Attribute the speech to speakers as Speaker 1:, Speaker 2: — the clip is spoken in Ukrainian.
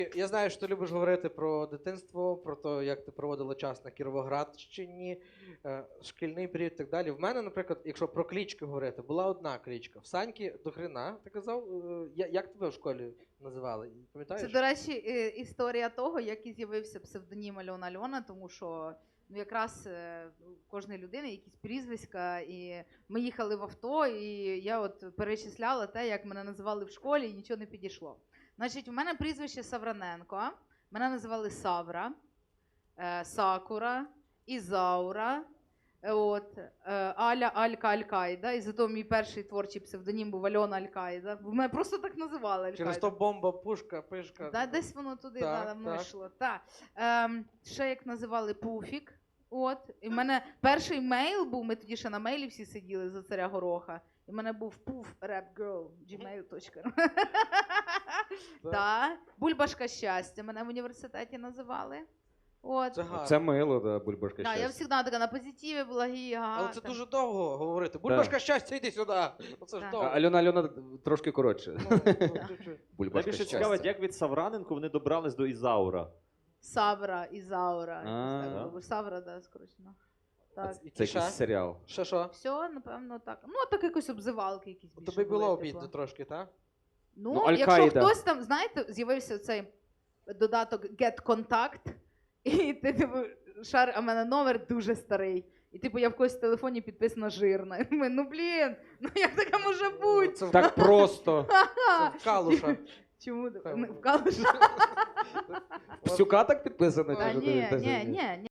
Speaker 1: Я знаю, що ти любиш говорити про дитинство, про те, як ти проводила час на Кіровоградщині, шкільний період і так далі. В мене, наприклад, якщо про клички говорити, була одна кличка. В Саньки до хрена, ти казав, як тебе в школі називали? Пам'ятаєш?
Speaker 2: Це, до речі, історія того, як і з'явився псевдонім Альона, тому що якраз у кожної людини якісь прізвиська, і ми їхали в авто, і я от перечисляла те, як мене називали в школі, і нічого не підійшло. Значить, у мене прізвище Савраненко, мене називали Савра, Сакура, Ізаура, Аля Алька Аль-Каїда, і зато мій перший творчий псевдонім був Альона Аль-Каїда. Мене просто так називали Аль-Каїда.
Speaker 1: Через то бомба, пушка, пишка.
Speaker 2: Да, десь воно туди давно
Speaker 1: так.
Speaker 2: йшло. Ще як називали Пуфік. І в мене перший мейл був, ми тоді ще на мейлі всі сиділи за царя Гороха. І в мене був poof.rapgirl@gmail.ru. Бульбашка щастя мене в університеті називали.
Speaker 1: Це гарно.
Speaker 3: Це мило, да, бульбашка
Speaker 2: Я
Speaker 3: щастя.
Speaker 2: завжди така на позитиві була гіга.
Speaker 1: Але це дуже довго говорити. Бульбашка щастя, йди сюди. Оце ж
Speaker 2: Так.
Speaker 1: довго.
Speaker 3: Альона трошки коротше.
Speaker 1: Чуть-чуть.
Speaker 3: Бульбашка
Speaker 4: Найбільше
Speaker 3: щастя.
Speaker 4: цікаво, як від Савраненко вони добрались до Ізаура.
Speaker 2: Савра, Ізаура.
Speaker 3: А.
Speaker 2: якось так було. Савра, да, скорочено. Так.
Speaker 3: Це якийсь серіал.
Speaker 1: Що?
Speaker 2: Все, напевно, так. Ну, так якось обзивалки якісь більше
Speaker 1: Тобі було
Speaker 2: були,
Speaker 1: обідно
Speaker 2: типу.
Speaker 1: трошки, так?
Speaker 2: Ну,
Speaker 3: Ну,
Speaker 2: якщо
Speaker 3: Аль-Каїда.
Speaker 2: хтось там, знаєте, з'явився цей додаток Get Contact, і ти типу, шар, а в мене номер дуже старий. І типу я в когось в телефоні підписана жирна. І думаю, ну блін, ну як таке може бути?
Speaker 1: Це
Speaker 3: Так просто.
Speaker 1: в Калуша.
Speaker 2: Чому?
Speaker 1: Певно.
Speaker 2: В Калуша?
Speaker 3: Псюка так підписано?
Speaker 2: Та
Speaker 3: чи що
Speaker 2: ні,
Speaker 3: ти-
Speaker 2: ні, ні, ні.